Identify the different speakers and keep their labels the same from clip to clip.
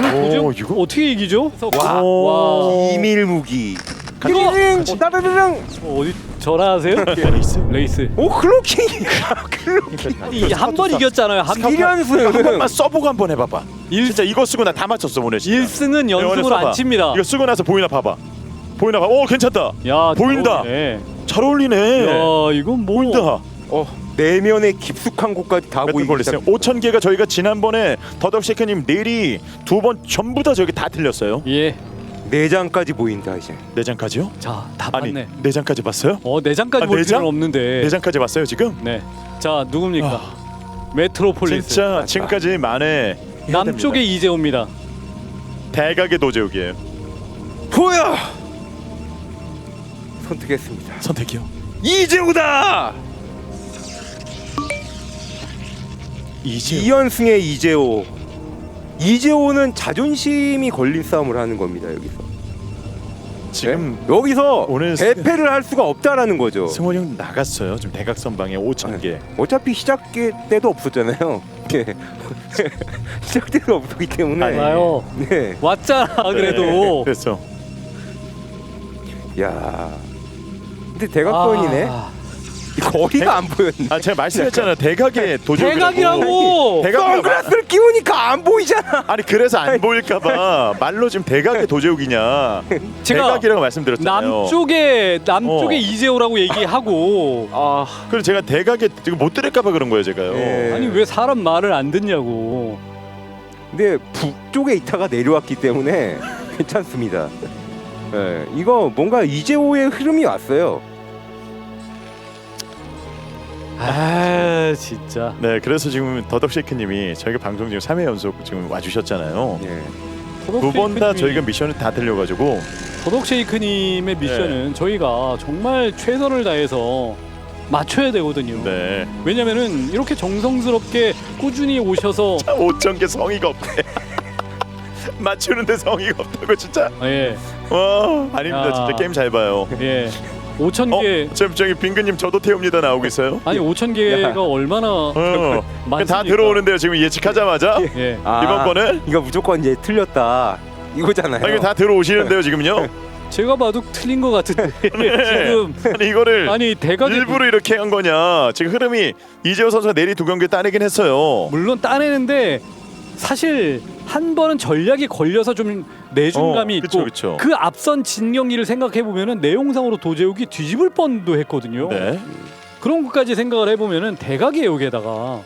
Speaker 1: 도저히
Speaker 2: 이거?
Speaker 1: 어떻게 이기죠?
Speaker 3: 와.
Speaker 1: 와.
Speaker 3: 비밀 무기.
Speaker 2: 띠링 따르르릉.
Speaker 1: 어디 전화하세요?
Speaker 2: 레이스.
Speaker 1: 레이스.
Speaker 3: 오 클로킹. 클로킹.
Speaker 1: 아니 한 번 이겼잖아요. 한 번.
Speaker 3: 1연승.
Speaker 2: 한 번만 써보고 한번 해봐봐. 진짜 이거 쓰고 나 다 맞췄어 오늘. 진짜.
Speaker 1: 1승은 연승으로
Speaker 2: 써봐.
Speaker 1: 안 칩니다.
Speaker 2: 이거 쓰고 나서 보이나 봐봐. 보이나 봐. 오 괜찮다.
Speaker 1: 야,
Speaker 2: 보인다.
Speaker 1: 네.
Speaker 2: 잘 어울리네.
Speaker 1: 야, 이건 뭐
Speaker 2: 보인다.
Speaker 3: 내면의 깊숙한 곳까지 다 보이기
Speaker 2: 걸렸어요. 5,000개가 저희가 지난번에 더덕쉐이크님 내리 두 번 전부 다 저기 다 틀렸어요.
Speaker 1: 예.
Speaker 3: 내장까지 보인다 이제.
Speaker 2: 내장까지요?
Speaker 1: 자, 다
Speaker 2: 아니
Speaker 1: 봤네.
Speaker 2: 내장까지 봤어요?
Speaker 1: 내장까지 볼
Speaker 2: 내장?
Speaker 1: 필요는 없는데.
Speaker 2: 내장까지 봤어요 지금?
Speaker 1: 네. 자, 누굽니까? 메트로폴리스.
Speaker 2: 진짜 지금까지 만에
Speaker 1: 남쪽의 이재호입니다.
Speaker 2: 대각의 도제욱이에요.
Speaker 3: 보여. 선택했습니다.
Speaker 2: 선택이요.
Speaker 3: 이재호다.
Speaker 2: 이제
Speaker 3: 2연승의 이재호. 이재호는 자존심이 걸린 싸움을 하는 겁니다 여기서.
Speaker 2: 지금
Speaker 3: 네? 여기서
Speaker 2: 오늘
Speaker 3: 대패를 할 수가 없다라는 거죠.
Speaker 2: 승원이 형 나갔어요. 지금 대각선방에 5,000개.
Speaker 3: 어차피 시작 때도 없었잖아요. 네. 시작 때도 없었기 때문에.
Speaker 1: 맞아요.
Speaker 3: 네.
Speaker 1: 왔잖아 그래도.
Speaker 2: 그랬어.
Speaker 3: 야. 근데 대각선이네.
Speaker 1: 아,
Speaker 3: 거리가 안 보였네.
Speaker 2: 아 제가 말씀했잖아요. 대각의 도제욱이라고.
Speaker 1: 대각이라고.
Speaker 3: 선글라스를 끼우니까 안 보이잖아.
Speaker 2: 아니 그래서 안 보일까봐 말로 지금 대각의 도제욱이냐
Speaker 1: 제가
Speaker 2: 대각이라고 말씀드렸잖아요.
Speaker 1: 남쪽에 이재호라고 얘기하고
Speaker 2: 그래서 제가 대각에 지금 못 들을까봐 그런 거예요 제가요.
Speaker 3: 네.
Speaker 1: 아니 왜 사람 말을 안 듣냐고.
Speaker 3: 근데 북쪽에 있다가 내려왔기 때문에 괜찮습니다. 네, 이거 뭔가 이재호의 흐름이 왔어요.
Speaker 1: 아 진짜.
Speaker 2: 네 그래서 지금 더덕쉐이크님이 저희가 방송 지금 3회 연속 지금 와주셨잖아요.
Speaker 3: 네.
Speaker 2: 두 번 다 저희가 미션을 다 들려가지고
Speaker 1: 더덕쉐이크님의 미션은 저희가 정말 최선을 다해서 맞춰야 되거든요.
Speaker 2: 네
Speaker 1: 왜냐면은 이렇게 정성스럽게 꾸준히 오셔서
Speaker 2: 5,000개 성의가 없대. 맞추는데 성의가 없다고 진짜.
Speaker 1: 예,
Speaker 2: 와 아닙니다.
Speaker 1: 야.
Speaker 2: 진짜 게임 잘 봐요.
Speaker 1: 예. 5,000개
Speaker 2: 지금 저기 빙그님 저도 태웁니다 나오고 있어요.
Speaker 1: 아니 5,000개가 얼마나
Speaker 2: 다
Speaker 1: 많습니까?
Speaker 2: 들어오는데요 지금 예측하자마자.
Speaker 1: 예.
Speaker 2: 이번 거는
Speaker 3: 이거 무조건 이제 틀렸다 이거잖아요.
Speaker 2: 이거 다 들어오시는데요 지금요.
Speaker 1: 제가 봐도 틀린 것 같은데 지금
Speaker 2: 아니 이거를
Speaker 1: 아니 대각이
Speaker 2: 일부러 이렇게 한 거냐? 지금 흐름이 이재호 선수가 내리 두 경기 따내긴 했어요.
Speaker 1: 물론 따내는데 사실 한 번은 전략이 걸려서 좀 내준 감이 있고
Speaker 2: 그쵸.
Speaker 1: 그 앞선 진 경기를 생각해 보면은 내용상으로 도제욱이 뒤집을 뻔도 했거든요.
Speaker 2: 네.
Speaker 1: 그런 것까지 생각을 해보면은 대각의 여기에다가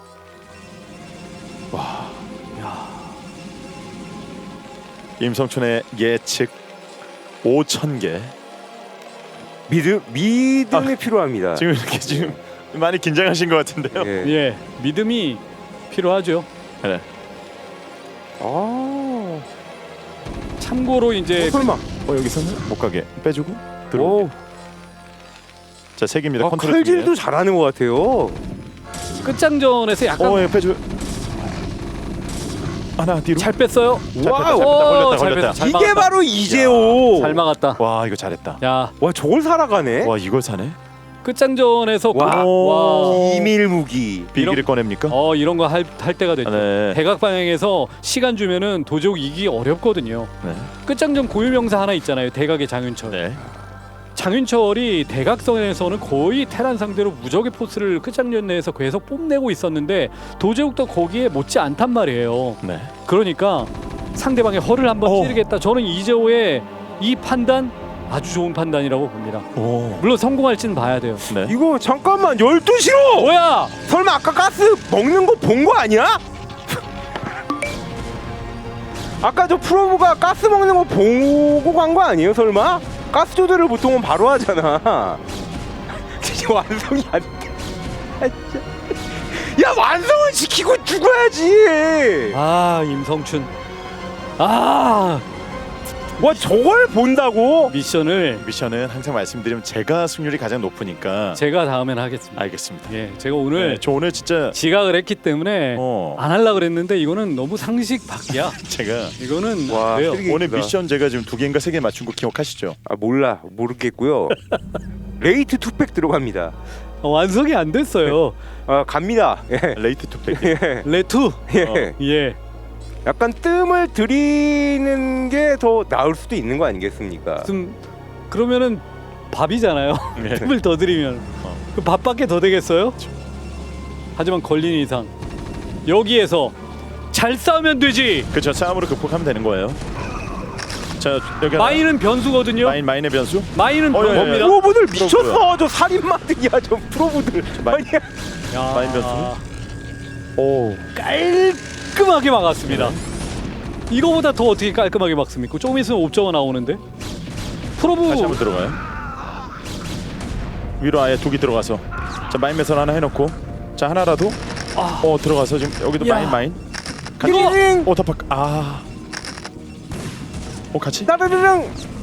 Speaker 2: 임성춘의 예측 5,000개.
Speaker 3: 믿음이 필요합니다.
Speaker 2: 지금 이렇게 지금 많이 긴장하신 것 같은데요.
Speaker 3: 예.
Speaker 1: 예 믿음이 필요하죠.
Speaker 2: 네.
Speaker 3: 아.
Speaker 1: 참고로 이제
Speaker 3: 설마.
Speaker 2: 여기서는 못 가게 빼주고 들어.
Speaker 3: 오.
Speaker 2: 자, 세 개입니다. 컨트롤
Speaker 3: 칼질도 잘하는 것 같아요.
Speaker 1: 끝장전에서 약간
Speaker 2: 예, 빼줘. 하나 뒤로.
Speaker 1: 잘 뺐어요.
Speaker 2: 와우.
Speaker 1: 잘
Speaker 2: 걸렸다.
Speaker 1: 뺐다. 잘
Speaker 3: 이게
Speaker 1: 막았다.
Speaker 3: 바로 이재호.
Speaker 1: 잘 막았다.
Speaker 2: 와, 이거 잘했다.
Speaker 1: 야
Speaker 3: 와 저걸 살아가네.
Speaker 2: 와, 이걸 사네.
Speaker 1: 끝장전에서
Speaker 3: 와.
Speaker 1: 와.
Speaker 3: 비밀 무기.
Speaker 2: 비기를 꺼냅니까?
Speaker 1: 이런 거 할 때가 됐죠.
Speaker 2: 네.
Speaker 1: 대각 방향에서 시간 주면은 도저히 이기기 어렵거든요.
Speaker 2: 네.
Speaker 1: 끝장전 고유명사 하나 있잖아요. 대각의 장윤철.
Speaker 2: 네.
Speaker 1: 장윤철이 대각선에서는 거의 테란 상대로 무적의 포스를 끝장전 내에서 계속 뽐내고 있었는데 도제욱도 거기에 못지 않단 말이에요.
Speaker 2: 네.
Speaker 1: 그러니까 상대방의 허를 한번 찌르겠다. 저는 이재호의 이 판단 아주 좋은 판단이라고 봅니다.
Speaker 2: 오.
Speaker 1: 물론 성공할지는 봐야 돼요.
Speaker 2: 네.
Speaker 3: 이거 잠깐만 12시로.
Speaker 1: 뭐야?
Speaker 3: 설마 아까 가스 먹는 거 본 거 아니야? 아까 저 프로브가 가스 먹는 거 보고 간 거 아니에요 설마? 가스 조절을 보통은 바로 하잖아. 진짜 완성이 안 돼. 아, 진짜. 야 완성을 시키고 죽어야지.
Speaker 1: 아 임성춘. 아
Speaker 3: 와 저걸 본다고?
Speaker 2: 미션은 항상 말씀드리면 제가 승률이 가장 높으니까.
Speaker 1: 제가 다음엔 하겠습니다.
Speaker 2: 알겠습니다.
Speaker 1: 예, 제가 오늘
Speaker 2: 네, 저 오늘 진짜
Speaker 1: 지각을 했기 때문에 안 하려 그랬는데 이거는 너무 상식 밖이야.
Speaker 2: 제가
Speaker 1: 이거는
Speaker 3: 와,
Speaker 1: 안 돼요.
Speaker 3: 쓰레기.
Speaker 2: 오늘 미션 제가 지금 2개인가 3개 맞춘 거 기억하시죠?
Speaker 3: 아 몰라 모르겠고요. 레이트 투팩 들어갑니다.
Speaker 1: 완성이 안 됐어요.
Speaker 3: 아 갑니다. 예.
Speaker 2: 레이트 투팩.
Speaker 3: 예.
Speaker 1: 레투.
Speaker 3: 예.
Speaker 1: 예.
Speaker 3: 약간 뜸을 들이는 게 더 나을 수도 있는 거 아니겠습니까?
Speaker 1: 그러면은 밥이잖아요.
Speaker 2: 네.
Speaker 1: 틈을 더 들이면 그 밥밖에 더 되겠어요? 하지만 걸린 이상 여기에서 잘 싸우면 되지.
Speaker 2: 그렇죠. 싸움으로 극복하면 되는 거예요. 자 여기 하나.
Speaker 1: 마인은 변수거든요.
Speaker 2: 마인의 변수.
Speaker 1: 마인은
Speaker 2: 예, 예.
Speaker 1: 변수입니다.
Speaker 3: 프로브들 미쳤어. 저 살인마들이야 저 프로브들.
Speaker 2: 마인.
Speaker 3: 아니야.
Speaker 1: 야,
Speaker 2: 마인 변수. 오.
Speaker 1: 깔끔하게 막았습니다. 이거보다 더 어떻게 깔끔하게 막습니까? 조금 있으면 옵저가 나오는데. 프로브
Speaker 2: 다시 한번 들어가요. 위로 아예 독이 들어가서. 자 마인 매설 하나 해놓고. 자 하나라도. 들어가서 지금 여기도
Speaker 1: 야.
Speaker 2: 마인.
Speaker 1: 이거
Speaker 2: 오타팍. 같이.
Speaker 3: 따르르릉.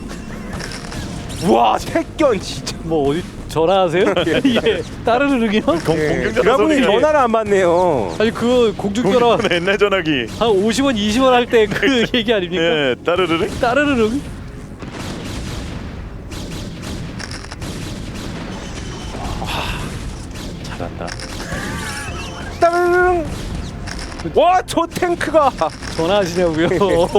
Speaker 3: 우와 택견 진짜.
Speaker 1: 뭐 어디 전화하세요? 예. 따르르르기요?
Speaker 2: 공중전화
Speaker 3: 드라군이
Speaker 2: 소리.
Speaker 3: 전화를 안 받네요.
Speaker 1: 아니 그 공중전화
Speaker 2: 공중전화 옛날 전화기.
Speaker 1: 한 50원, 20원 할 때 그 얘기 아닙니까?
Speaker 2: 예, 따르르르.
Speaker 1: 따르르릉.
Speaker 2: 잘한다.
Speaker 3: 따르릉. 와저 탱크가.
Speaker 1: 전화하시냐고요?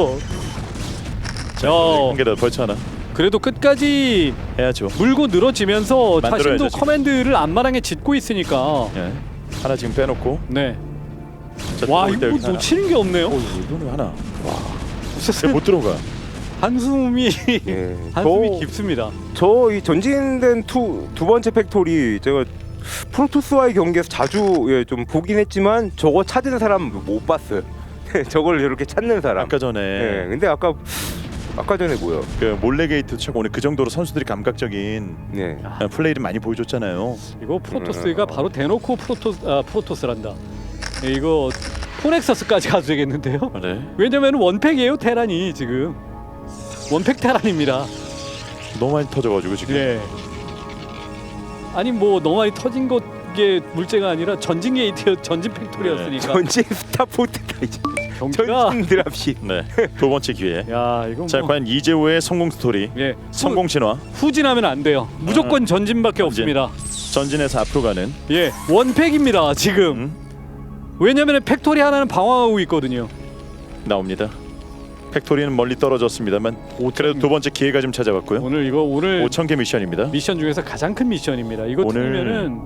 Speaker 2: 자,
Speaker 1: 어.
Speaker 2: 한 개라도 벌쳐 하나
Speaker 1: 그래도 끝까지
Speaker 2: 해야죠.
Speaker 1: 물고 늘어지면서
Speaker 2: 만들어야죠,
Speaker 1: 자신도
Speaker 2: 지금.
Speaker 1: 커맨드를 안마랑에 짓고 있으니까.
Speaker 2: 예. 하나 지금 빼놓고.
Speaker 1: 네.
Speaker 2: 자,
Speaker 1: 와
Speaker 2: 들어올 때
Speaker 1: 이거
Speaker 2: 여기 하나.
Speaker 1: 놓치는 게 없네요.
Speaker 2: 이거는 하나.
Speaker 1: 진짜
Speaker 2: 못 들어가.
Speaker 1: 한숨이
Speaker 3: 예.
Speaker 1: 한숨이 깊습니다.
Speaker 3: 저 이 전진된 두 번째 팩토리 제가 프로토스와의 경기에서 자주 좀 보긴 했지만 저거 찾은 사람 못 봤어요. 저걸 이렇게 찾는 사람.
Speaker 2: 아까 전에
Speaker 3: 예. 근데 아까 전에 뭐요?
Speaker 2: 그 몰래 게이트 책 오늘 그 정도로 선수들이 감각적인
Speaker 3: 네.
Speaker 2: 플레이를 많이 보여줬잖아요.
Speaker 1: 이거 프로토스가 바로 대놓고 프로토스란다. 예, 이거 포넥서스까지 가도 되겠는데요?
Speaker 2: 네.
Speaker 1: 왜냐면 원팩이에요 테란이 지금 원팩 테란입니다.
Speaker 2: 너무 많이 터져가지고 지금.
Speaker 1: 네. 아니 뭐 너무 많이 터진 게 문제가 아니라 전진 게이트 전진 팩토리였으니까
Speaker 3: 전진 스타포트다 이제.
Speaker 1: 경기가
Speaker 3: 전진 드랍십.
Speaker 2: 네. 두 번째 기회.
Speaker 1: 야 이거
Speaker 2: 자
Speaker 1: 뭐
Speaker 2: 과연 이재호의 성공 스토리.
Speaker 1: 예
Speaker 2: 성공 신화.
Speaker 1: 후진하면 안 돼요. 무조건 전진밖에
Speaker 2: 전진.
Speaker 1: 없습니다.
Speaker 2: 전진에서 앞으로 가는.
Speaker 1: 예 원팩입니다 지금. 왜냐면 팩토리 하나는 방어하고 있거든요.
Speaker 2: 나옵니다. 팩토리는 멀리 떨어졌습니다만 그래도 두 번째 기회가 좀 찾아왔고요.
Speaker 1: 오늘
Speaker 2: 5,000개 미션입니다.
Speaker 1: 미션 중에서 가장 큰 미션입니다. 이거
Speaker 2: 오늘
Speaker 1: 틀리면은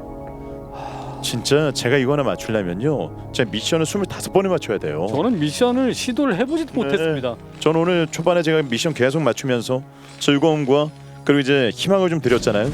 Speaker 2: 진짜 제가 이거 하나 맞추려면요. 제가 미션을 25번을 맞춰야 돼요.
Speaker 1: 저는 미션을 시도를 해보지도
Speaker 2: 네.
Speaker 1: 못했습니다.
Speaker 2: 저는 오늘 초반에 제가 미션 계속 맞추면서 즐거움과 그리고 이제 희망을 좀 드렸잖아요.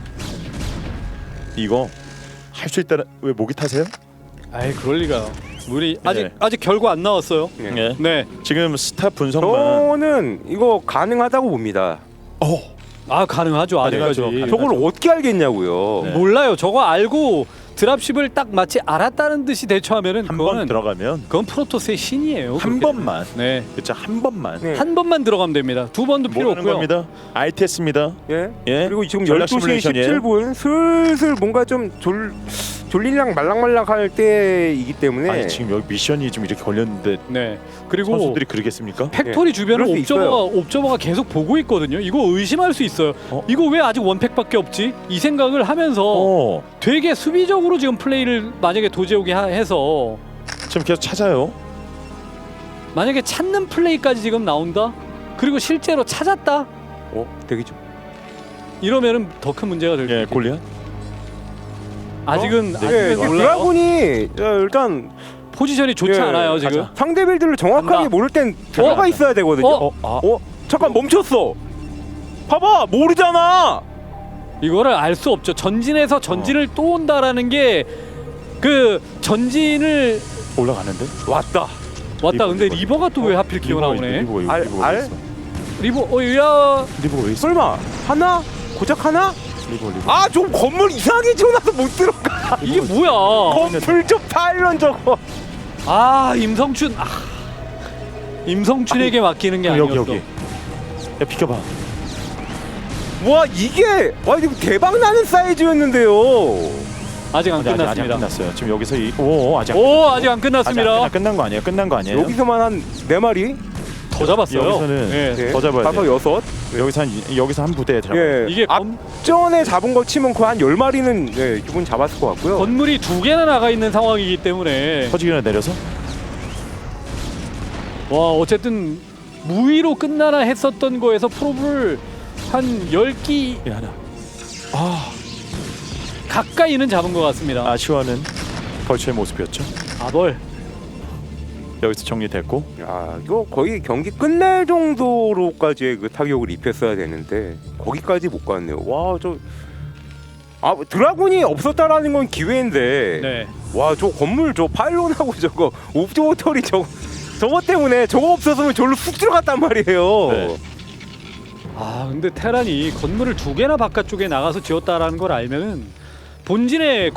Speaker 2: 이거 할 수 있다는 왜 목이 타세요?
Speaker 1: 아이 그럴 리가요. 우리
Speaker 2: 네.
Speaker 1: 아직 결과 안 나왔어요.
Speaker 2: 네.
Speaker 1: 네.
Speaker 2: 지금 스타 분석만.
Speaker 3: 저는 이거 가능하다고 봅니다.
Speaker 1: 아 가능하죠 아직까지.
Speaker 2: 가능하죠.
Speaker 3: 저걸 어떻게 알겠냐고요.
Speaker 2: 네.
Speaker 1: 몰라요. 저거 알고 드랍십을 딱 마치 알았다는 듯이 대처하면은
Speaker 2: 한 번
Speaker 1: 그거는
Speaker 2: 들어가면
Speaker 1: 그건 프로토스의 신이에요.
Speaker 2: 한
Speaker 1: 그렇게
Speaker 2: 번만.
Speaker 1: 되면. 네.
Speaker 2: 그렇죠. 한 번만.
Speaker 3: 네.
Speaker 1: 한 번만 들어가면 됩니다. 두 번도 필요
Speaker 2: 모르는
Speaker 1: 없고요.
Speaker 2: 겁니다. ITS입니다.
Speaker 3: 예.
Speaker 2: 예.
Speaker 3: 그리고 지금
Speaker 2: 전략
Speaker 3: 12시
Speaker 2: 시뮬레이션이에요.
Speaker 3: 17분 슬슬 뭔가 좀 졸리랑 말랑말랑할 때이기 때문에
Speaker 2: 아니 지금 여기 미션이 좀 이렇게 걸렸는데
Speaker 1: 네. 그리고
Speaker 2: 선수들이 그러겠습니까?
Speaker 1: 팩토리 주변을
Speaker 3: 그럴 수
Speaker 1: 옵저버가 계속 보고 있거든요. 이거 의심할 수 있어요. 이거 왜 아직 원팩밖에 없지? 이 생각을 하면서 되게 수비적으로 지금 플레이를 만약에 도제욱이 해서
Speaker 2: 지금 계속 찾아요.
Speaker 1: 만약에 찾는 플레이까지 지금 나온다? 그리고 실제로 찾았다?
Speaker 3: 되게 좀
Speaker 1: 이러면은 더 큰 문제가 될
Speaker 2: 예,
Speaker 1: 거예요.
Speaker 2: 골리앗.
Speaker 1: 아직은
Speaker 3: 예,
Speaker 1: 몰라요.
Speaker 3: 드라군이 일단
Speaker 1: 포지션이 좋지
Speaker 3: 예,
Speaker 1: 않아요 지금.
Speaker 2: 가자.
Speaker 3: 상대 빌드를 정확하게
Speaker 1: 간다.
Speaker 3: 모를 땐 들어가 있어야 되거든요. 잠깐 멈췄어. 봐봐 모르잖아.
Speaker 1: 이거를 알 수 없죠. 전진에서 전진을 또 온다라는 게 그 전진을
Speaker 2: 올라가는데?
Speaker 3: 왔다.
Speaker 1: 왔다. 근데 리버가 또 왜 하필 기어 나오네.
Speaker 2: 리버가
Speaker 3: 알?
Speaker 2: 리버가 왜 있어?
Speaker 1: 리버 야
Speaker 2: 리버가 왜 있어?
Speaker 3: 설마 하나? 고작 하나?
Speaker 2: 리버.
Speaker 3: 아 좀 건물 이상하게 지어놔서 못 들어가.
Speaker 1: 이게 뭐야?
Speaker 3: 건물 좀 파일런 저거.
Speaker 1: 아 임성춘 임성춘에게 맡기는 게 아니었어.
Speaker 2: 여기. 야 비켜봐.
Speaker 3: 와 이게 와 이거 대박 나는 사이즈였는데요.
Speaker 1: 아직 안
Speaker 2: 아직 안
Speaker 1: 끝났습니다.
Speaker 2: 끝났어요. 지금 여기서 아직
Speaker 1: 아직 안 끝났습니다.
Speaker 2: 끝난 거 아니에요? 끝난 거 아니에요?
Speaker 3: 여기서만 한 4마리?
Speaker 1: 더 잡았어요.
Speaker 2: 여기서는
Speaker 1: 예.
Speaker 2: 더 잡아야
Speaker 3: 다섯
Speaker 2: 돼요.
Speaker 3: 여섯.
Speaker 2: 여기서 한 부대 잡아.
Speaker 3: 예.
Speaker 1: 이게
Speaker 3: 앞전에 잡은 거 치면 거의 한 10마리는 예, 기분 잡았을 것 같고요.
Speaker 1: 건물이 2개나 나가 있는 상황이기 때문에
Speaker 2: 터지기나 내려서
Speaker 1: 와 어쨌든 무위로 끝나나 했었던 거에서 프로브를 한 10기
Speaker 2: 하나.
Speaker 1: 가까이는 잡은 것 같습니다.
Speaker 2: 아쉬워하는 벌처의 모습이었죠.
Speaker 1: 아벌.
Speaker 2: 여기서 정리됐고.
Speaker 3: 야, 이거 거의 경기 끝날 정도로까지의 그 타격을 입혔어야 되는데 거기까지 못 갔네요. 와, 드라군이 없었다라는 건 기회인데.
Speaker 1: 네.
Speaker 3: 와, 저 건물 저 파일론하고 저거 옵저버터리 저거 때문에 저거 없었으면 저로 쑥 들어갔단 말이에요.
Speaker 2: 네.
Speaker 1: 아 근데 테란이 건물을 2개나 바깥쪽에 나가서 지었다라는 걸 알면은 본진의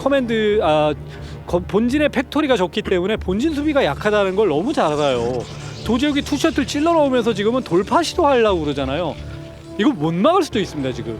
Speaker 1: 본진의 팩토리가 적기 때문에 본진 수비가 약하다는 걸 너무 잘 알아요. 도제욱이 투셔틀 찔러 넣으면서 지금은 돌파 시도하려고 그러잖아요. 이거 못 막을 수도 있습니다. 지금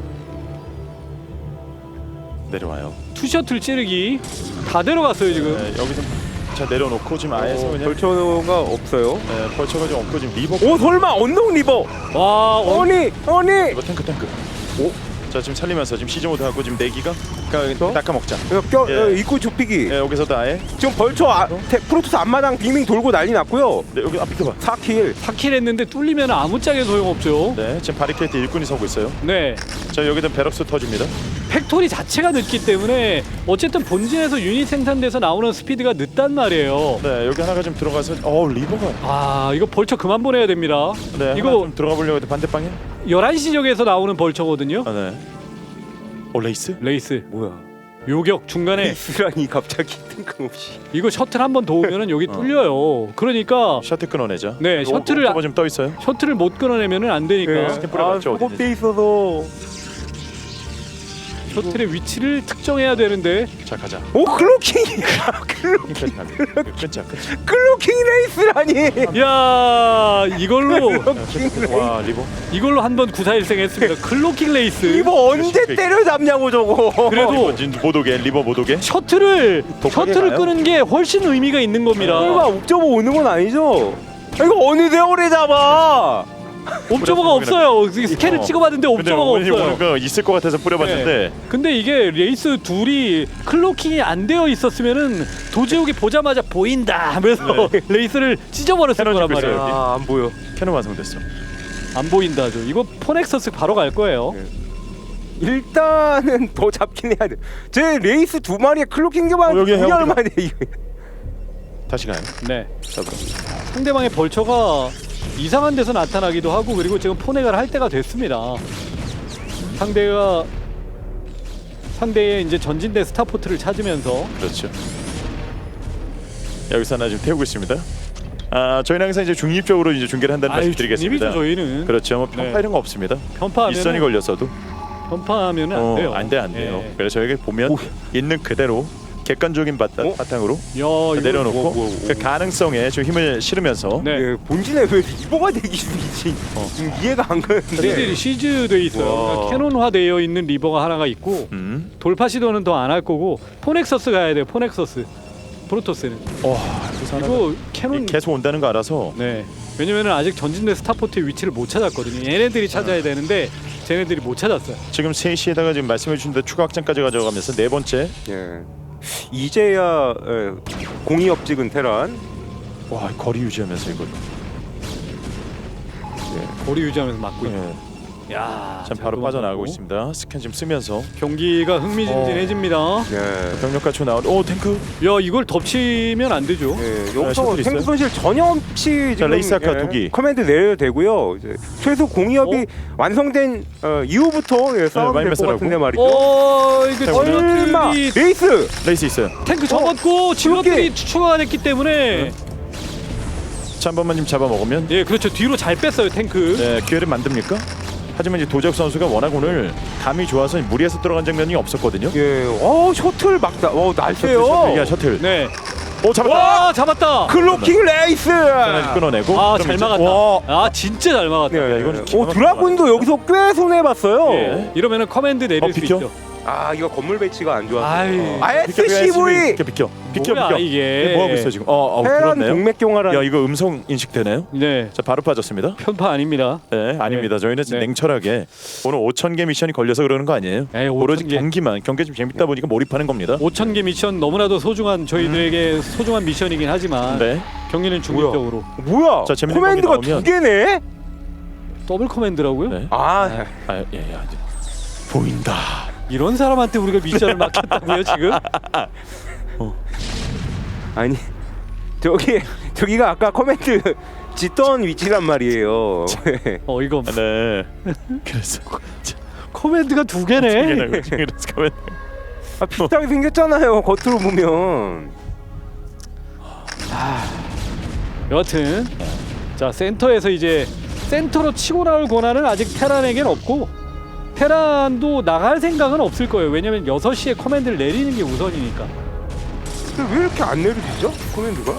Speaker 2: 내려와요.
Speaker 1: 투셔틀 찌르기 다 데려갔어요 지금.
Speaker 2: 네, 여기서 자 내려놓고 지금 아예서 그냥
Speaker 3: 벌처가 없어요.
Speaker 2: 네, 벌처가 좀 없고 지금 리버.
Speaker 3: 오, 설마 언덕 리버.
Speaker 1: 와
Speaker 3: 아니.
Speaker 2: 이거 탱크. 오. 자 지금 살리면서 지금 시즈 모드 하고 지금 내기가 낚아 먹자. 예.
Speaker 3: 입구 좁히기.
Speaker 2: 예, 여기서도 아예.
Speaker 3: 지금 벌처 프로토스 앞마당 빙빙 돌고 난리 났고요.
Speaker 2: 네, 여기 앞에 봐.
Speaker 3: 4킬.
Speaker 1: 4킬 했는데 뚫리면 아무짝에 소용없죠.
Speaker 2: 네, 지금 바리케이트 일꾼이 서고 있어요.
Speaker 1: 네.
Speaker 2: 자 여기는 베럭스 터집니다.
Speaker 1: 팩토리 자체가 늦기 때문에 어쨌든 본진에서 유닛 생산돼서 나오는 스피드가 늦단 말이에요.
Speaker 2: 네, 여기 하나가 좀 들어가서 리버가.
Speaker 1: 아 이거 벌처 그만 보내야 됩니다.
Speaker 2: 네,
Speaker 1: 이거
Speaker 2: 이거 좀 들어가 보려고 해도 반대방에.
Speaker 1: 11시 지역에서 나오는 벌처거든요.
Speaker 2: 아, 네. 레이스?
Speaker 1: 레이스
Speaker 3: 뭐야?
Speaker 1: 요격 중간에
Speaker 3: 이스라니 갑자기 뜬금없이.
Speaker 1: 이거 셔틀 한 번 더 오면은 여기 뚫려요. 그러니까
Speaker 2: 셔틀 끊어내자.
Speaker 1: 네 셔틀을
Speaker 2: 좀 떠 있어요.
Speaker 1: 셔틀을 못 끊어내면은 안 되니까
Speaker 2: 스캔 뿌려봤죠, 어디든지.
Speaker 3: 돼 있어서.
Speaker 1: 셔틀의 위치를 특정해야 되는데
Speaker 2: 자 가자.
Speaker 3: 오, 클로킹.
Speaker 2: 끊자.
Speaker 3: 클로킹 레이스라니.
Speaker 1: 야 이걸로
Speaker 2: 와 리버.
Speaker 1: 이걸로 한번 구사일생 했습니다. 클로킹 레이스.
Speaker 3: 이거 언제 때려잡냐고 저거.
Speaker 1: 그래도
Speaker 2: 리버 못 오게.
Speaker 1: 셔틀을
Speaker 2: 가요?
Speaker 1: 끄는 게 훨씬 의미가 있는 겁니다.
Speaker 3: 설마 옵저버 오는 건 아니죠? 이거 어느 세월에 잡아?
Speaker 1: 옵저버가 없어요. 스캔을 찍어봤는데
Speaker 2: 근데
Speaker 1: 옵저버가
Speaker 2: 오늘
Speaker 1: 없어요.
Speaker 2: 오는 거 있을 것 같아서 뿌려봤는데.
Speaker 1: 근데 이게 레이스 둘이 클로킹이 안 되어 있었으면은 도제욱이 보자마자 보인다 하면서 레이스를 찢어버렸을
Speaker 2: 캐논
Speaker 1: 거란
Speaker 2: 찍고 있어요,
Speaker 1: 말이에요.
Speaker 3: 안 보여.
Speaker 2: 캐논 완성됐어.
Speaker 1: 안 보인다죠. 이거 포넥서스 바로 갈 거예요.
Speaker 3: 일단은 더 잡긴 해야 돼. 제 레이스 두 마리에 클로킹 잡았는데
Speaker 2: 여기 해요,
Speaker 3: 2년 만에 이거.
Speaker 2: 다시 가요.
Speaker 1: 네. 상대방의 벌처가 이상한 데서 나타나기도 하고 그리고 지금 포넥을 할 때가 됐습니다. 상대의 이제 전진대 스타포트를 찾으면서
Speaker 2: 그렇죠. 여기서 하나 지금 태우고 있습니다. 저희는 항상 이제 중립적으로 이제 중계를 한다는 말씀드리겠습니다.
Speaker 1: 중립이죠 저희는.
Speaker 2: 그렇죠. 뭐 편파
Speaker 1: 네.
Speaker 2: 이런 거 없습니다.
Speaker 1: 편파하면
Speaker 2: 일선이 걸렸어도
Speaker 1: 편파하면은 안 돼요.
Speaker 2: 안 돼요.
Speaker 1: 네.
Speaker 2: 그래서 저희가 보면 있는 그대로 객관적인 바탕으로
Speaker 1: 야, 이거
Speaker 2: 내려놓고
Speaker 3: 뭐.
Speaker 2: 그 가능성에 좀 힘을 실으면서
Speaker 1: 네.
Speaker 3: 예, 본진에 왜 리버가 되기 중이지? 지금 이해가 안 가는데.
Speaker 1: 시즈들이 시즈돼 있어요.
Speaker 3: 와.
Speaker 1: 그러니까 캐논화되어 있는 리버가 하나가 있고 돌파 시도는 더 안 할 거고 포넥서스 가야 돼요. 포넥서스 프로토스는 이거 캐논
Speaker 2: 계속 온다는 거 알아서
Speaker 1: 네. 왜냐면은 아직 전진대 스타포트의 위치를 못 찾았거든요. 얘네들이 찾아야 되는데 쟤네들이 못 찾았어요.
Speaker 2: 지금 3시에다가 지금 말씀해 주신 대로 추가 확장까지 가져가면서 네 번째.
Speaker 3: 예. 이제야 공이업 찍은 테란.
Speaker 2: 와 거리 유지하면서 이거.
Speaker 1: 거리 유지하면서 막고 있고.
Speaker 2: 네.
Speaker 1: 야,
Speaker 2: 참 바로 빠져나가고 있습니다. 스캔 지금 쓰면서
Speaker 1: 경기가 흥미진진해집니다.
Speaker 3: 예.
Speaker 2: 병력 갖추고 나온. 탱크.
Speaker 1: 야, 이걸 덮치면 안 되죠.
Speaker 3: 예,
Speaker 2: 셔틀
Speaker 3: 여기서
Speaker 2: 있어요?
Speaker 3: 생수 손실 전혀 없이 지금
Speaker 2: 레이스 아카 두 기.
Speaker 3: 커맨드 내려도 되고요. 이제 최소 공이업이 완성된 이후부터 싸우면 될 것
Speaker 2: 마이너스라고?
Speaker 3: 같은데 말이죠.
Speaker 1: 이거
Speaker 3: 설마
Speaker 1: 이
Speaker 3: 레이스
Speaker 2: 레이스 있어요.
Speaker 1: 탱크 접었고 지원들이 추가가 됐기 때문에
Speaker 2: 자 한 번만 좀 잡아 먹으면.
Speaker 1: 예, 그렇죠. 뒤로 잘 뺐어요 탱크.
Speaker 2: 네, 기회를 만듭니까? 하지만 이제 도적 선수가 워낙 오늘 감이 좋아서 무리해서 들어간 장면이 없었거든요.
Speaker 3: 예, 셔틀 막다. 날쌔요.
Speaker 2: 셔틀.
Speaker 1: 네.
Speaker 2: 잡았다.
Speaker 1: 와, 잡았다.
Speaker 3: 클로킹 레이스.
Speaker 2: 끊어내고.
Speaker 1: 아,
Speaker 2: 그럼
Speaker 1: 잘
Speaker 2: 이제-
Speaker 1: 막았다.
Speaker 2: 와.
Speaker 1: 아, 진짜 잘 막았다.
Speaker 3: 예,
Speaker 2: 이거는 기가 막힌
Speaker 3: 드라군도 여기서 꽤 손해 봤어요.
Speaker 1: 예. 이러면은 커맨드 내릴 수
Speaker 2: 비켜?
Speaker 1: 있죠.
Speaker 3: 아 이거 건물 배치가 안 좋아서.
Speaker 1: 아이.
Speaker 3: SCV
Speaker 2: 비켜.
Speaker 1: 뭐야, 이게.
Speaker 2: 뭐 하고 있어 지금?
Speaker 3: 테란
Speaker 2: 그렇네요.
Speaker 3: 동맥경화라는.
Speaker 2: 야 이거 음성 인식되나요?
Speaker 1: 네.
Speaker 2: 자 바로 빠졌습니다.
Speaker 1: 편파 아닙니다.
Speaker 2: 네, 아닙니다. 저희는
Speaker 1: 네.
Speaker 2: 냉철하게 오늘 5,000개 미션이 걸려서 그러는 거 아니에요?
Speaker 1: 에이,
Speaker 2: 오로지
Speaker 1: 5,000개.
Speaker 2: 경기 좀 재밌다 보니까 몰입하는 겁니다.
Speaker 1: 5,000개 미션 너무나도 소중한 저희들에게 소중한 미션이긴 하지만
Speaker 2: 네.
Speaker 1: 경기는 중립적으로
Speaker 3: 뭐야?
Speaker 2: 자, 재밌는
Speaker 3: 코맨드가
Speaker 2: 경기 나오면-
Speaker 3: 2개네?
Speaker 1: 더블 커맨드라고요?
Speaker 2: 네.
Speaker 3: 아,
Speaker 2: 보인다.
Speaker 1: 이런 사람한테 우리가 미션을 맡겼다고요 지금?
Speaker 3: 아니 저기가 아까 코맨드 짓던 위치란 말이에요.
Speaker 1: 이거
Speaker 2: 네. 그래서
Speaker 1: 커맨드가 2개네.
Speaker 2: 그래서 가면
Speaker 3: 아, 비슷하게 생겼잖아요. 겉으로 보면.
Speaker 1: 여하튼 자 센터에서 이제 센터로 치고 나올 권한은 아직 테란에겐 없고 테란도 나갈 생각은 없을 거예요. 왜냐면 6시에 커맨드를 내리는 게 우선이니까.
Speaker 3: 근데 왜 이렇게 안 내려지죠? 코맨드가?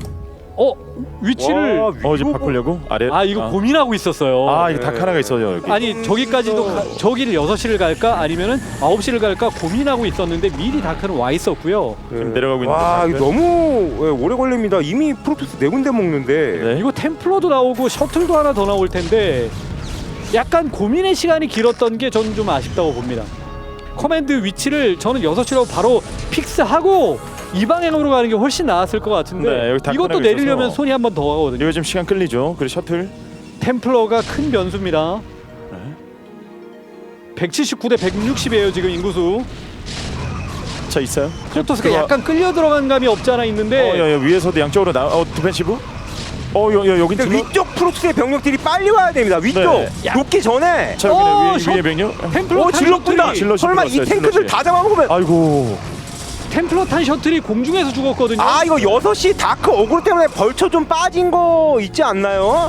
Speaker 1: 위치를
Speaker 3: 와,
Speaker 2: 지금 바꾸려고 아래.
Speaker 1: 이거 고민하고 있었어요.
Speaker 2: 이거 닭 하나가 있어요 여기.
Speaker 1: 아니 저기까지도 저기를 6시를 갈까 아니면은 9시를 갈까 고민하고 있었는데 미리 다크는 와 있었고요.
Speaker 2: 지금 내려가고 있는데.
Speaker 3: 와 이거 너무 오래 걸립니다. 이미 프로토스 4군데 먹는데.
Speaker 2: 네.
Speaker 1: 이거 템플러도 나오고 셔틀도 하나 더 나올 텐데 약간 고민의 시간이 길었던 게 저는 좀 아쉽다고 봅니다. 커맨드 위치를 저는 6시로 바로 픽스하고 이 방향으로 가는 게 훨씬 나았을 것 같은데
Speaker 2: 네, 여기 다크
Speaker 1: 이것도
Speaker 2: 하나가
Speaker 1: 내리려면
Speaker 2: 있어서.
Speaker 1: 손이 한 번 더 가거든요.
Speaker 2: 이거 지금 시간 끌리죠. 그리고 셔틀.
Speaker 1: 템플러가 큰 변수입니다.
Speaker 2: 네.
Speaker 1: 179 대 160이에요 지금 인구수.
Speaker 2: 자 있어요.
Speaker 1: 프로토스가
Speaker 2: 들어와.
Speaker 1: 약간 끌려 들어간 감이 없지 않아 있는데
Speaker 2: 야, 위에서도 양쪽으로 디펜시브. 여긴
Speaker 3: 근데 위쪽 프로토스의 병력들이 빨리 와야 됩니다. 위쪽
Speaker 2: 네.
Speaker 3: 녹기 전에.
Speaker 2: 자 여기 위에 병력.
Speaker 1: 템플러 탄
Speaker 3: 질럿군다.
Speaker 1: 셔틀이
Speaker 3: 설마 이
Speaker 2: 질럿이
Speaker 3: 탱크들
Speaker 2: 질럿이.
Speaker 3: 다 잡아먹으면.
Speaker 2: 아이고.
Speaker 1: 템플러 탄 셔틀이 공중에서 죽었거든요.
Speaker 3: 이거 6시 다크 어그로 때문에 벌쳐 좀 빠진 거 있지 않나요?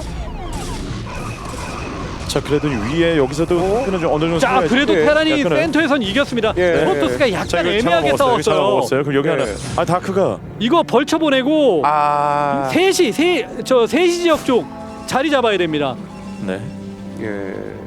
Speaker 2: 자 그래도 위에 여기서도 끈은 좀 어느 정도.
Speaker 1: 자
Speaker 2: 살아야지.
Speaker 1: 그래도
Speaker 3: 예,
Speaker 1: 테란이
Speaker 2: 약간은.
Speaker 1: 센터에선 이겼습니다.
Speaker 3: 예.
Speaker 1: 프로토스가
Speaker 2: 자
Speaker 1: 약간
Speaker 2: 이거
Speaker 1: 애매하게
Speaker 2: 잡아먹었어요.
Speaker 1: 싸웠어요.
Speaker 2: 그럼 여기
Speaker 3: 예.
Speaker 2: 하나. 다크가.
Speaker 1: 이거 벌쳐 보내고
Speaker 3: 아.
Speaker 1: 3시 지역 쪽 자리 잡아야 됩니다.
Speaker 2: 네.
Speaker 3: 예.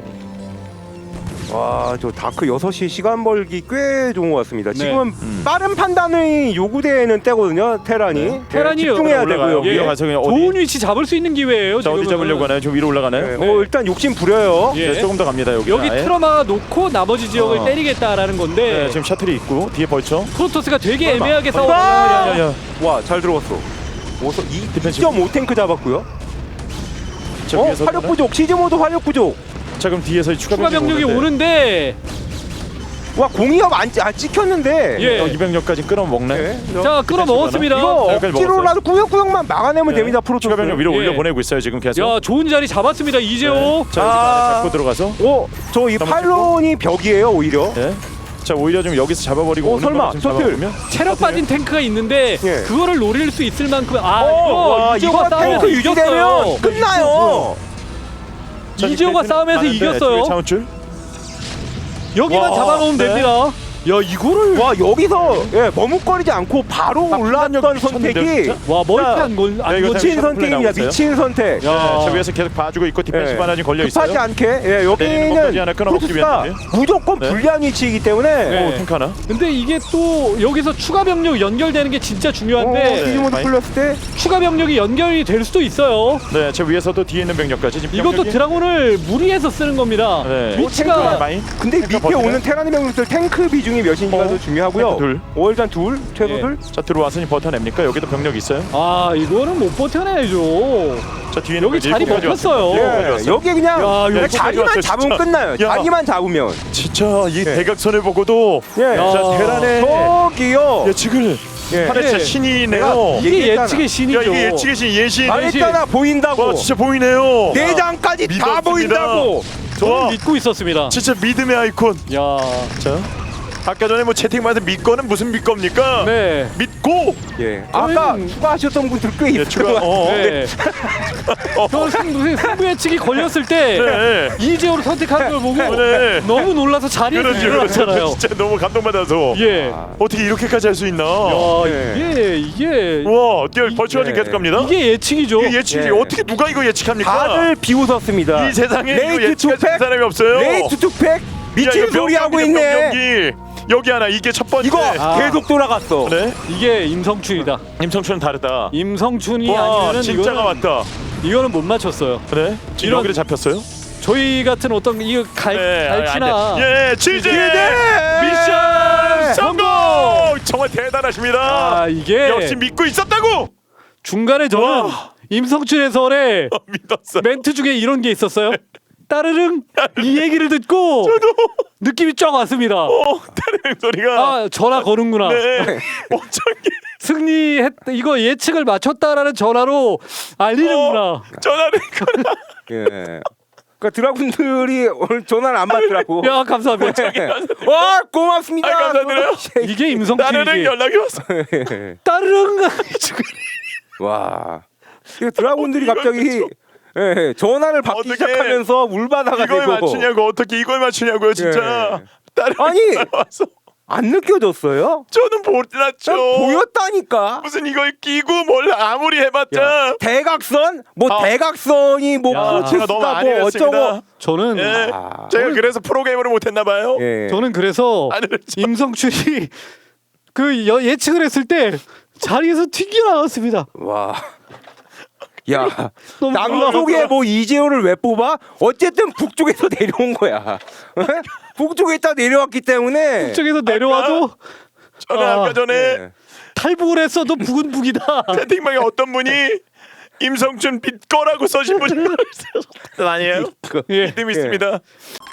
Speaker 3: 와, 저 다크 6시 시간 벌기 꽤 좋은 것 같습니다.
Speaker 1: 네.
Speaker 3: 지금은 빠른 판단이 요구되는 때거든요, 테란이.
Speaker 2: 네.
Speaker 1: 테란이
Speaker 3: 집중해야
Speaker 2: 올라가요.
Speaker 3: 되고요.
Speaker 2: 위로 가서 그냥
Speaker 1: 좋은 위치 잡을 수 있는 기회예요.
Speaker 2: 자 어디
Speaker 1: 지금은.
Speaker 2: 잡으려고 하나요? 좀 위로 올라가나요?
Speaker 3: 예,
Speaker 1: 네.
Speaker 3: 일단 욕심 부려요.
Speaker 1: 예.
Speaker 2: 네, 조금 더 갑니다 여기.
Speaker 1: 여기 트러마 놓고 나머지 지역을 때리겠다라는 건데
Speaker 2: 네, 지금 셔틀이 있고 뒤에 벌쳐.
Speaker 1: 프로토스가 되게
Speaker 3: 설마.
Speaker 1: 애매하게
Speaker 3: 설마.
Speaker 1: 싸웠어요.
Speaker 2: 야야.
Speaker 3: 와, 잘 들어갔어.
Speaker 2: 디펜시브.
Speaker 3: 2.5탱크 잡았고요.
Speaker 2: 저 위에서
Speaker 3: 화력 부족. 시즈모드 화력 부족.
Speaker 2: 자 그럼 뒤에서
Speaker 1: 추가 병력이 오는데
Speaker 3: 와, 공이업 안 찍혔는데.
Speaker 1: 예.
Speaker 2: 200력까지 끌어먹네.
Speaker 3: 네.
Speaker 1: 자 끌어 넣었습니다.
Speaker 3: 이거
Speaker 2: 여기까지
Speaker 3: 억지로라도 구역구역만 막아내면 됩니다, 프로토스.
Speaker 2: 추가 병력 위로
Speaker 1: 예.
Speaker 2: 올려보내고 있어요 지금 계속.
Speaker 1: 야 좋은 자리 잡았습니다 이재호.
Speaker 2: 자 여기 안에 잡고 들어가서.
Speaker 3: 저 이 파일론이 벽이에요, 오히려.
Speaker 2: 네. 자 오히려 좀 여기서 잡아버리고 오는
Speaker 3: 설마,
Speaker 2: 좀
Speaker 3: 셔틀.
Speaker 2: 잡아보면.
Speaker 1: 체력 빠진 탱크가 있는데
Speaker 3: 예.
Speaker 1: 그거를 노릴 수 있을 만큼
Speaker 3: 와,
Speaker 1: 이재호가
Speaker 3: 이거 탱크
Speaker 1: 싸우면서
Speaker 3: 유지되면
Speaker 1: 이겼어요.
Speaker 3: 끝나요.
Speaker 2: 자,
Speaker 1: 이재호가
Speaker 2: 지금
Speaker 1: 싸움에서
Speaker 2: 가는데
Speaker 1: 이겼어요.
Speaker 2: 뒤에 차원줄.
Speaker 1: 여기만
Speaker 2: 와,
Speaker 1: 잡아놓으면
Speaker 2: 네.
Speaker 1: 됩니다. 야 이거를
Speaker 3: 와, 여기서 머뭇거리지 않고 바로 올라왔던
Speaker 2: 미쳤는데요,
Speaker 3: 선택이
Speaker 2: 진짜?
Speaker 1: 와 머리피
Speaker 3: 자,
Speaker 1: 안건
Speaker 2: 야, 이거
Speaker 3: 미친
Speaker 2: 셔틀
Speaker 3: 선택입니다.
Speaker 2: 나오고 있어요?
Speaker 3: 미친 선택.
Speaker 2: 자 위에서 계속 봐주고 있고 디펜시브 하나 지금 걸려 있어요.
Speaker 3: 급하지 않게
Speaker 2: 내리는
Speaker 3: 여기는
Speaker 2: 것까지 하나 끊어먹기
Speaker 3: 프로토스가
Speaker 2: 위한
Speaker 3: 무조건
Speaker 2: 네.
Speaker 3: 불리한 위치이기 때문에
Speaker 1: 네.
Speaker 2: 탱크 하나.
Speaker 1: 근데 이게 또 여기서 추가 병력 연결되는 게 진짜 중요한데
Speaker 3: 시즈모드
Speaker 2: 많이-
Speaker 3: 풀렸을 때
Speaker 1: 추가 병력이 연결이 될 수도 있어요.
Speaker 2: 네, 저 위에서도 뒤에 있는 병력까지 지금
Speaker 1: 이것도
Speaker 2: 병력이-
Speaker 1: 드라곤을 무리해서 쓰는 겁니다.
Speaker 2: 네.
Speaker 1: 위치가
Speaker 2: 많이.
Speaker 3: 근데
Speaker 2: 탱크
Speaker 3: 밑에
Speaker 2: 버티네.
Speaker 3: 오는 테라니 병력들 탱크 비중이 몇인지가 더 중요하고요.
Speaker 2: 탱크 둘.
Speaker 3: 일단 둘, 최소
Speaker 1: 예.
Speaker 3: 둘.
Speaker 2: 자 들어와서니 버텨냅니까? 여기도 병력 있어요.
Speaker 1: 이거는 못 버텨내야죠.
Speaker 2: 자 뒤에는
Speaker 1: 여기 자리
Speaker 2: 일곱까지
Speaker 1: 먹혔어요.
Speaker 2: 왔어요.
Speaker 3: 예, 여기 그냥
Speaker 1: 야, 이거
Speaker 3: 자리만
Speaker 2: 왔어요,
Speaker 3: 잡으면
Speaker 2: 진짜.
Speaker 3: 끝나요.
Speaker 2: 야.
Speaker 3: 자리만 잡으면.
Speaker 2: 진짜 이 대각선을 보고도
Speaker 3: 예.
Speaker 1: 야.
Speaker 2: 자 테란의
Speaker 3: 저기요.
Speaker 2: 예측을
Speaker 3: 예.
Speaker 2: 하는 진짜
Speaker 1: 예.
Speaker 2: 신이네요.
Speaker 1: 이게
Speaker 3: 얘기했잖아.
Speaker 1: 예측의
Speaker 2: 야
Speaker 1: 신이죠.
Speaker 2: 이게 예측의 신 예신.
Speaker 3: 말했잖아, 보인다고.
Speaker 2: 와 진짜 보이네요.
Speaker 3: 내장까지 다
Speaker 2: 믿었습니다.
Speaker 3: 보인다고.
Speaker 1: 저는
Speaker 2: 와
Speaker 1: 믿고 있었습니다.
Speaker 2: 진짜 믿음의 아이콘.
Speaker 1: 야,
Speaker 2: 자 아까 전에 뭐 채팅방에서 믿고는 무슨 믿겁니까?
Speaker 1: 네.
Speaker 2: 믿고.
Speaker 3: 예. 아까 추가하셨던 분들 꽤 있을
Speaker 2: 추가.
Speaker 3: 것 같아요.
Speaker 1: 네. 저 승부 예측이 걸렸을 때
Speaker 2: 네.
Speaker 1: 이재호를 선택한 걸 보고
Speaker 2: 네.
Speaker 1: 너무 놀라서 자리에서
Speaker 2: 그렇죠.
Speaker 1: 일어났잖아요.
Speaker 2: 진짜 너무 감동받아서.
Speaker 1: 예.
Speaker 2: 어떻게 이렇게까지 할 수 있나?
Speaker 1: 야,
Speaker 3: 네.
Speaker 1: 이게
Speaker 2: 와, 벌초가 지금
Speaker 3: 네.
Speaker 2: 계속 갑니다.
Speaker 1: 이게 예측이죠.
Speaker 2: 이게 예측이
Speaker 3: 예.
Speaker 2: 어떻게 누가 이거 예측합니까?
Speaker 3: 다들 비웃었습니다.
Speaker 2: 이 세상에 이거
Speaker 3: 레이트
Speaker 2: 예측할 수 있는
Speaker 3: 투팩,
Speaker 2: 사람이 없어요.
Speaker 3: 레이트 투팩
Speaker 2: 야,
Speaker 3: 미친
Speaker 2: 이거
Speaker 3: 소리 하고
Speaker 2: 병경기,
Speaker 3: 있네.
Speaker 2: 병경기. 여기 하나 이게 첫 번째.
Speaker 3: 이거
Speaker 1: 아.
Speaker 3: 계속 돌아갔어.
Speaker 2: 네.
Speaker 1: 이게 임성춘이다.
Speaker 2: 임성춘은 다르다.
Speaker 1: 임성춘이
Speaker 2: 와
Speaker 1: 아니면은
Speaker 2: 진짜가 왔다.
Speaker 1: 이거는 못 맞췄어요.
Speaker 2: 네. 지금
Speaker 1: 이런-
Speaker 2: 여기를 잡혔어요.
Speaker 1: 저희 같은 어떤 이거 갈치나
Speaker 2: 예, 치즈
Speaker 3: 치즈!
Speaker 2: 미션 성공. 정말 대단하십니다.
Speaker 1: 아 이게
Speaker 2: 역시 믿고 있었다고.
Speaker 1: 중간에 저는
Speaker 2: 와.
Speaker 1: 임성춘 해설의
Speaker 2: 믿었어.
Speaker 1: 멘트 중에 이런 게 있었어요. 따르릉 이 얘기를 듣고 느낌이 쫙 왔습니다.
Speaker 2: 다른 소리가.
Speaker 1: 아 전화 거는구나.
Speaker 2: 네. 엄청
Speaker 1: 승리했 이거 예측을 맞췄다라는 전화로 알리는구나.
Speaker 2: 전화를
Speaker 3: 예. 그러니까 드라군들이 오늘 전화를 안 받더라고.
Speaker 1: 야 감사합니다.
Speaker 3: 와 고맙습니다.
Speaker 2: 아, 감사드려요.
Speaker 1: 이게
Speaker 2: 나르릉
Speaker 1: 임성춘이지.
Speaker 2: 연락이 왔어.
Speaker 1: 따르릉
Speaker 3: 와. 이거 드라군들이 갑자기 예, 전화를 받기
Speaker 2: 어떻게
Speaker 3: 시작하면서 물바다가
Speaker 2: 이걸
Speaker 3: 되고
Speaker 2: 맞추냐고 어떻게 이걸 맞추냐고요 진짜. 다른
Speaker 3: 아니!
Speaker 2: 와서
Speaker 3: 안 느껴졌어요?
Speaker 2: 저는 몰랐죠.
Speaker 3: 난 보였다니까.
Speaker 2: 무슨 이걸 끼고 뭘 아무리 해봤자.
Speaker 3: 대각선? 뭐
Speaker 2: 아.
Speaker 3: 대각선이 뭐
Speaker 1: 야,
Speaker 2: 제가 너무
Speaker 3: 프로체스다
Speaker 2: 안
Speaker 3: 뭐
Speaker 2: 해봤습니다.
Speaker 3: 어쩌고.
Speaker 1: 저는
Speaker 2: 예.
Speaker 3: 아.
Speaker 2: 제가 그래서 프로게이머를 못했나 봐요.
Speaker 3: 예.
Speaker 1: 저는 그래서
Speaker 2: 안 했죠.
Speaker 1: 임성춘이 그 예측을 했을 때 자리에서 튀겨나왔습니다.
Speaker 3: 와. 야,
Speaker 1: 너무
Speaker 3: 남쪽에 뭐 이재호를 왜 뽑아? 어쨌든 북쪽에서 내려온 거야. 북쪽에 있다 내려왔기 때문에.
Speaker 1: 쪽에서 내려와도
Speaker 2: 저는
Speaker 1: 아.
Speaker 2: 아까 전에
Speaker 3: 예.
Speaker 1: 탈북을 했어도 북은 북이다.
Speaker 2: 채팅방에 어떤 분이 임성춘 빛 거라고 써신 분이 아니에요?
Speaker 1: 예.
Speaker 2: 믿음 있습니다.